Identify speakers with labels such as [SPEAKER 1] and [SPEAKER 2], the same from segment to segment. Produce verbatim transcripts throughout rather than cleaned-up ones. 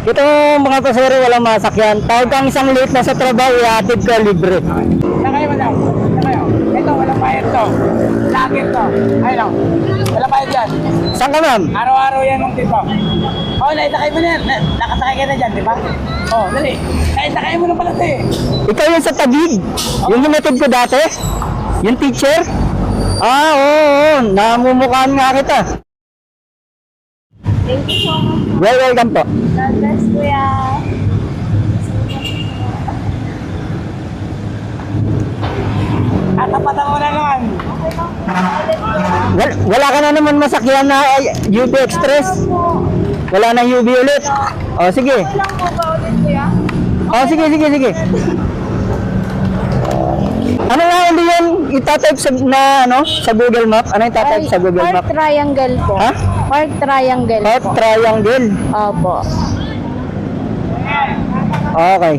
[SPEAKER 1] Ito mga pasero, walang masakyan. Tawag kang isang late na sa trabaho, ihatid ka libre.
[SPEAKER 2] Sakay mo daw. Sakay mo. Ito, walang bayad to. Lagit to. Ayun o. Walang bayad dyan.
[SPEAKER 1] Saan ka ma'am?
[SPEAKER 2] Araw-araw yan ng tipo. Oo, naisakay mo na yan. Na- Nakasakay ka na dyan, di ba? Oo, dali. Naisakay mo na pala ito eh.
[SPEAKER 1] Ikaw yung sa tabig. Yung hinatid ko dati. Yung teacher. Ah, oo, oo. Namumukhaan nga kita.
[SPEAKER 3] Thank you so much.
[SPEAKER 1] Well, welcome po.
[SPEAKER 3] God bless, Kuya.
[SPEAKER 2] At tapatan mo na naman.
[SPEAKER 3] Okay lang po. Ulit po.
[SPEAKER 1] Wala, wala ka na naman masakyan na ay, U B Express. Wala na U B ulit. O, sige.
[SPEAKER 3] Okay lang po ba ulit, Kuya?
[SPEAKER 1] O, sige, sige, sige. Ano nga hindi yan itatype sa, na, ano, sa Google Map? Ano yung itatype sa Google
[SPEAKER 3] Heart
[SPEAKER 1] Map?
[SPEAKER 3] triangle po.
[SPEAKER 1] Ha?
[SPEAKER 3] Heart triangle
[SPEAKER 1] Heart
[SPEAKER 3] po.
[SPEAKER 1] triangle.
[SPEAKER 3] Opo.
[SPEAKER 1] Okay.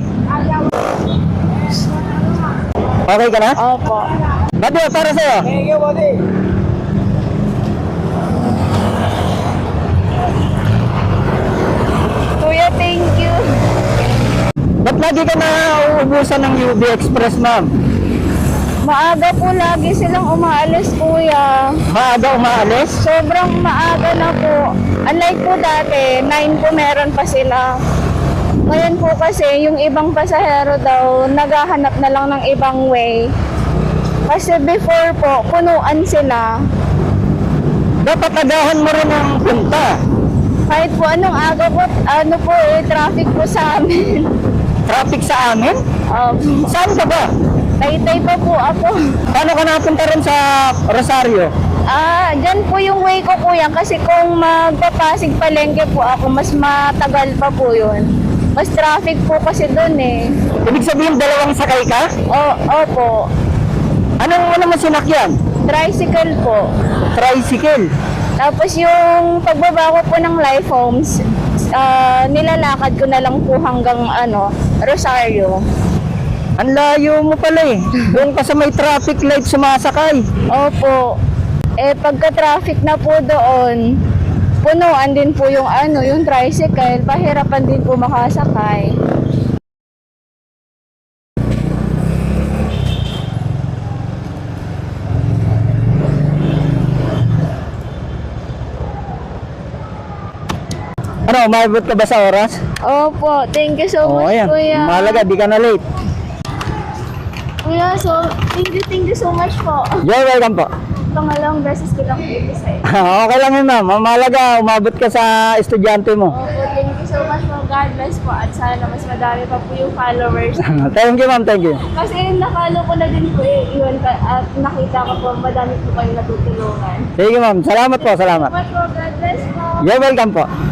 [SPEAKER 1] Okay ka na?
[SPEAKER 3] Opo.
[SPEAKER 1] Bato, para sa'yo.
[SPEAKER 2] Thank you, buddy.
[SPEAKER 3] Kuya, thank you.
[SPEAKER 1] Ba't lagi ka na uubusan ng U B Express, ma'am?
[SPEAKER 3] Maaga po lagi silang umaalis, Kuya.
[SPEAKER 1] Maaga umaalis?
[SPEAKER 3] Sobrang maaga na po. Unlike po dati, nine po meron pa sila. Ngayon po kasi, yung ibang pasahero daw, naghahanap na lang ng ibang way. Kasi before po, punuan sila.
[SPEAKER 1] Dapat agahan mo rin ang punta.
[SPEAKER 3] Kahit po anong aga po, ano po eh, traffic po sa amin.
[SPEAKER 1] Traffic sa amin?
[SPEAKER 3] Um,
[SPEAKER 1] Saan ka ba?
[SPEAKER 3] Taytay pa po ako.
[SPEAKER 1] Paano ka napunta rin sa Rosario?
[SPEAKER 3] Ah, dyan po yung way ko, Kuya. Kasi kung magpapasig palengke po ako, mas matagal pa po yun. Mas traffic po kasi doon eh.
[SPEAKER 1] Ibig sabihin dalawang sakay ka?
[SPEAKER 3] O, opo.
[SPEAKER 1] Anong ano mo sinakyan?
[SPEAKER 3] Tricycle po.
[SPEAKER 1] Tricycle.
[SPEAKER 3] Tapos yung pagbaba ko po ng Life Homes, ah, nilalakad ko na lang po hanggang ano, Rosario.
[SPEAKER 1] Ang layo mo pala eh. Doon ka sa may traffic light sumasakay.
[SPEAKER 3] Opo. Eh pagka-traffic na po doon, punuan din po yung ano, yung tricycle, pahirapan din po makasakay.
[SPEAKER 1] Ano, umabot ka ba sa oras?
[SPEAKER 3] Opo, thank you so
[SPEAKER 1] Oo,
[SPEAKER 3] much,
[SPEAKER 1] ayan.
[SPEAKER 3] Kuya.
[SPEAKER 1] Mahalaga, di ka na late.
[SPEAKER 3] Kuya, so, thank you, thank you so much po.
[SPEAKER 1] You're welcome po.
[SPEAKER 3] Pangalawang beses ko lang ito sa'yo.
[SPEAKER 1] Okay lang yun, ma'am. Mahalaga, umabot ka sa estudyante mo.
[SPEAKER 3] Opo, thank you so much po. God bless po. At sana mas madami pa po yung followers.
[SPEAKER 1] Thank you, ma'am. Thank you.
[SPEAKER 3] Kasi nakalo ko na din po eh. Iwan ka, at nakita ko po, madami po kayo natutulungan.
[SPEAKER 1] Sige, ma'am. Salamat po. Salamat.
[SPEAKER 3] Salamat po. God bless po.
[SPEAKER 1] You're welcome po.